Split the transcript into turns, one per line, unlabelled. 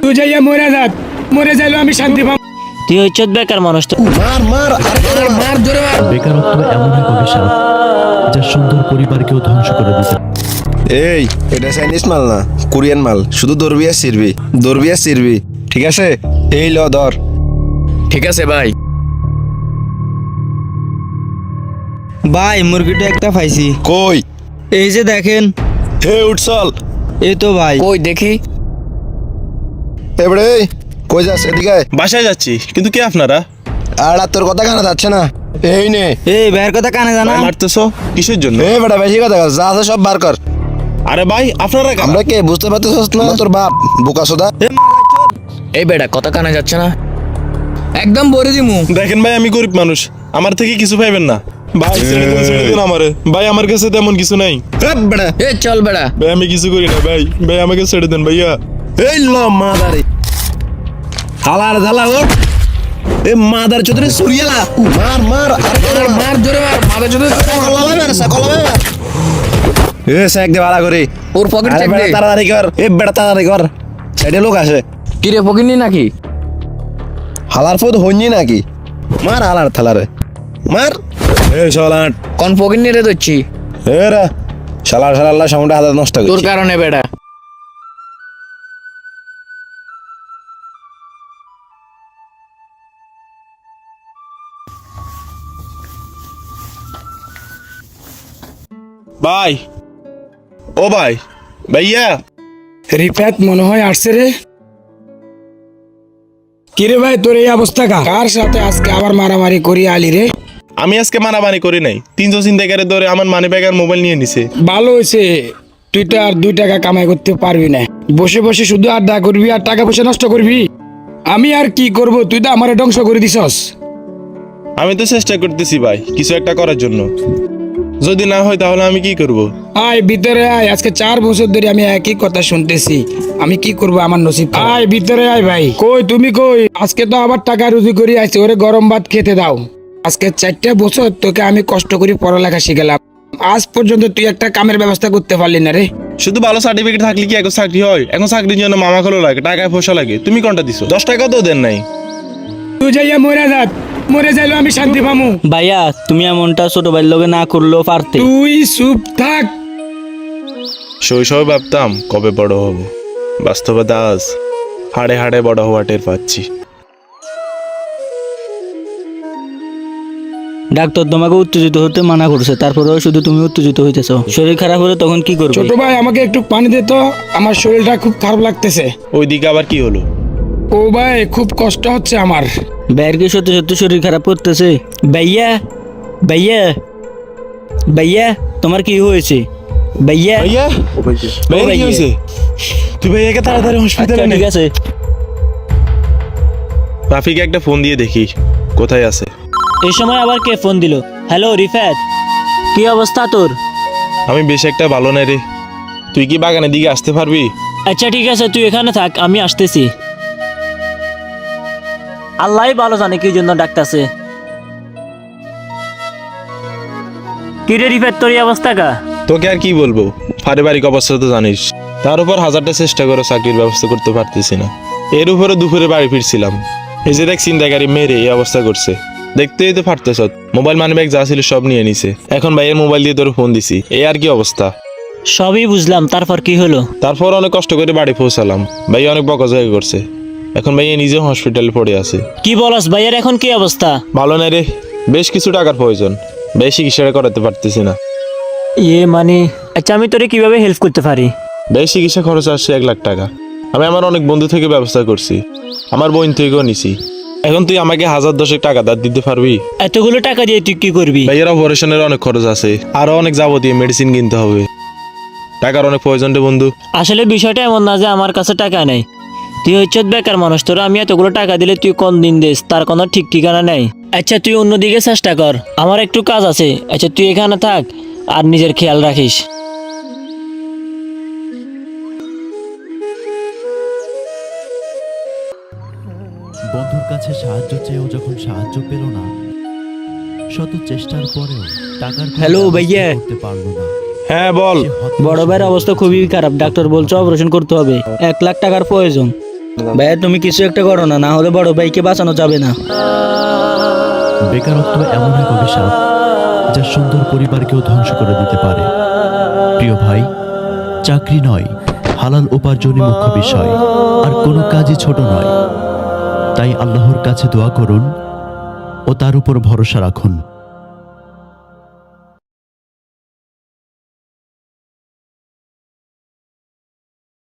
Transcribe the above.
তুই যাইয়া মরে যাইলো আমি শান্তি পাবো।
তুই হচ্ছে বেকার মানুষ তো।
মার জোরে মার।
বেকারত্ব এমন এক অভিশাপ যা সুন্দর পরিবারকেও ধ্বংস করে দিতে।
এই এটা চাইনিজ মাল না, কোরিয়ান মাল। শুধু দরবি আর সিরবি, ঠিক আছে? এই ল ধর।
ঠিক আছে ভাই।
ভাই মুরগিটা একটা পাইছি।
কই?
এই যে দেখেন।
হে উঠছল।
এই তো ভাই।
কই দেখি।
এবারে কই যাস? এদিকে আয়।
বাসায় যাচ্ছি, কিন্তু কে আপনারা?
আর তোর কথা কানা যাচ্ছে না। এই নে।
এই ভাইয়ের কথা কানে জানা।
মারতেছো কিসের জন্য?
এ বেটা বেশি কথা কস, যা আছে সব বার কর।
আরে ভাই আপনারা কারা?
আমরা কে বুঝতে পারতেছস না? তোর বাপ বোকা সোদা।
এই বেটা কথা কানে যাচ্ছে না, একদম বলে দিমু।
দেখেন ভাই, আমি গরিব মানুষ, আমার থেকে কিছু পাইবেন না ভাই। ছেড়ে দিন আমারে ভাই, আমার কাছে তেমন কিছু নাই।
বেটা
এ চল বেটা।
ভাই আমি কিছু করি না ভাই, আমাকে ছেড়ে দেন ভাইয়া।
এই ল মাদারে হালার ঝালা ওঠ। এ মাদার চোদরে সুরিয়ালা মার
মার জোরে মার। মাথা জোরে
এ সাইক দে ভাড়া করে।
ওর পকেট
আরে
চেক
বেটা
দে।
তাড়াতাড়ি কর। এ বেটা তাড়াতাড়ি কর, সাইডে লোক আসে।
কি রে পকেট নি নাকি?
হালার ফোদ হইনি নাকি? মার হালার থালারে মার। এ শালাট
কোন পকেট নিয়ে রে দচ্ছি
এ রে শালার সাউন্ড হাজার নষ্ট
তোর
করছিস।
কারণে বেটা।
ভাই ও ভাই ভাইয়া।
রিফাত মনে হয় আসছে রে। কিরে ভাই তোর এই অবস্থা কার সাথে আজকে আবার মারামারি করি আলি রে?
আমি আজকে মারামারি করি নাই, 300 ছিনতাইকারে ধরে আমার মানি ব্যাগ আর মোবাইল নিয়ে নিছে।
ভালো হয়েছে, তুই তো আর 2 টাকা কামাই করতে পারবি না। বসে বসে শুধু আড্ডা করবি আর টাকা পয়সা নষ্ট করবি। আমি আর কি করব, তুই তো আমারে ধ্বংস করে দিছস।
আমি তো চেষ্টা করতেছি ভাই কিছু একটা করার জন্য, যদি না হয় তাহলে আমি কি করব?
আয় ভিতরে আয়, আজকে 4 বছর ধরে আমি একই কথা শুনতেছি। আমি কি করব, আমার নসিব। আয় ভিতরে আয় ভাই। কই তুমি কই? আজকে তো আবার টাকা রুজি করে আইছি, ওরে গরম ভাত খেতে দাও। আজকে 4টা বছর তোকে আমি কষ্ট করে পড়ালেখা শিখালাম, আজ পর্যন্ত তুই একটা কামের ব্যবস্থা করতে পারলি না রে।
শুধু ভালো সার্টিফিকেট থাকলে কি এখন চাকরি হয়? এখন চাকরির জন্য মামা খোলো লাগে, টাকায় পয়সা লাগে। তুমি কোনটা দিছো? 10 টাকাও তো দেন নাই।
তুই যাইয়া মরে যাইলো আমি শান্তি পামু।
ভাইয়া তুমি এমনটা ছোট ভাইয়ের লগে না করলেও পারতে।
তুই চুপ থাক।
শৈশবে ভাবতাম কবে বড় হব, বাস্তবে দাস হাড়ে হাড়ে বড় হওয়া টের পাচ্ছি।
ডাক্তার তোমাকে উত্তেজিত হতে মানা করছে, তারপরেও শুধু তুমি উত্তেজিত হইতেছ। শরীর খারাপ হলে তখন কি করবে?
ছোট ভাই আমাকে একটু পানি দে তো, আমার শরীরটা খুব খারাপ লাগতেছে।
ওইদিকে আবার কি হলো?
ও ভাই খুব কষ্ট হচ্ছে আমার।
ভাইয়ের কি সত্যি সত্যি শরীর খারাপ করতেছে? ভাইয়া ভাইয়া ভাইয়া তোমার কি হয়েছে? ভাইয়া
ভাইয়া ভাইয়া কি হয়েছে? তুই ভাইয়াকে তাড়াতাড়ি হসপিটালে
আচ্ছা,
নে।
ঠিক আছে।
রাফিকে একটা ফোন দিয়ে দেখি কোথায় আছে।
এই সময় আবার কে ফোন দিল? হ্যালো রিফাত, কি অবস্থা তোর?
আমি বেশ একটা ভালো নাই রে, তুই কি বাগানের দিকে আসতে পারবি?
আচ্ছা ঠিক আছে, তুই এখানে থাক, আমি আসতেছি। আল্লাহই ভালো জানে কি জন্য ডাকতেছে। কি রে রিফাত, তোর এই অবস্থা কা?
তোকে আর কি বলবো, পারিবারিক অবস্থা তো জানিস। তার উপর হাজারটা চেষ্টা করে চাকরির ব্যবস্থা করতে পারতেছি না। এর উপরে দুপুরে বাড়ি ফিরছিলাম, এই যে দেখ ছিনতাইকারী মেরে এই অবস্থা করছে। দেখতেই তো পারতেছ, মোবাইল মানি ব্যাগ যা ছিল সব নিয়ে নিছে। এখন ভাইয়ের মোবাইল দিয়ে তোর ফোন দিছি, এই আর কি অবস্থা।
সবই বুঝলাম, তারপর কি হলো?
তারপর অনেক কষ্ট করে বাড়ি পৌঁছালাম, ভাই অনেক বকাঝকা করছে। এখন ভাইয়া নিজে হসপিটালে পড়ে আছে।
কি বলস, ভাইয়ের এখন কি অবস্থা?
ভালো না রে, বেশ কিছু টাকার প্রয়োজন, বেশ চিকিৎসা করাতে পারতেছি না।
মানে আচ্ছা, আমি তোরে কিভাবে হেল্প করতে পারি?
বেশ চিকিৎসা খরচ আসছে 1 লাখ টাকা। আমি আমার অনেক বন্ধু থেকে ব্যবস্থা করছি, আমার বোন থেকেও নিছি। এখন তুই আমাকে 1010 টাকা ধার দিতে পারবি?
এতগুলো টাকা দিয়ে তুই কি করবি?
ভাইয়ের অপারেশনের অনেক খরচ আছে, আরো অনেক যাবতীয় মেডিসিন কিনতে হবে, টাকার অনেক প্রয়োজন রে বন্ধু।
আসলে বিষয়টা এমন না যে আমার কাছে টাকা নেই। তুই হচ্ছে বেকার মানুষ, তোরা আমি এতগুলো টাকা দিলে তুই কোন দিন দিস তার কোনো ঠিক ঠিকানা নেই। আচ্ছা তুই অন্যদিকে চেষ্টা কর, আমার একটু কাজ আছে। আচ্ছা তুই এখানে থাক আর নিজের খেয়াল রাখিস।
বন্ধুর কাছে সাহায্য চেয়েও যখন সাহায্য পেল না, শত চেষ্টার পরেও টাকার
হ্যালো ভাইয়া।
করতে পারলো না।
হ্যাঁ বল।
সে হতাশ
বড় ভাইয়ের
হয়ে
অবস্থা খুবই খারাপ, ডাক্তার বলছে অপারেশন করতে হবে, 1 লাখ টাকার প্রয়োজন।
ভাইয়া তুমি কিছু একটা করো না, না হলে বড় ভাইকে বাঁচানো যাবে না।
বেকারত্ব এমন এক অভিশাপ যা সুন্দর পরিবারকেও ধ্বংস করে দিতে পারে। প্রিয় ভাই, চাকরি নয়, হালাল উপার্জনই মুখ্য বিষয়, আর কোনো কাজই ছোট নয়। তাই আল্লাহর কাছে দোয়া করুন ও তার উপর ভরসা রাখুন।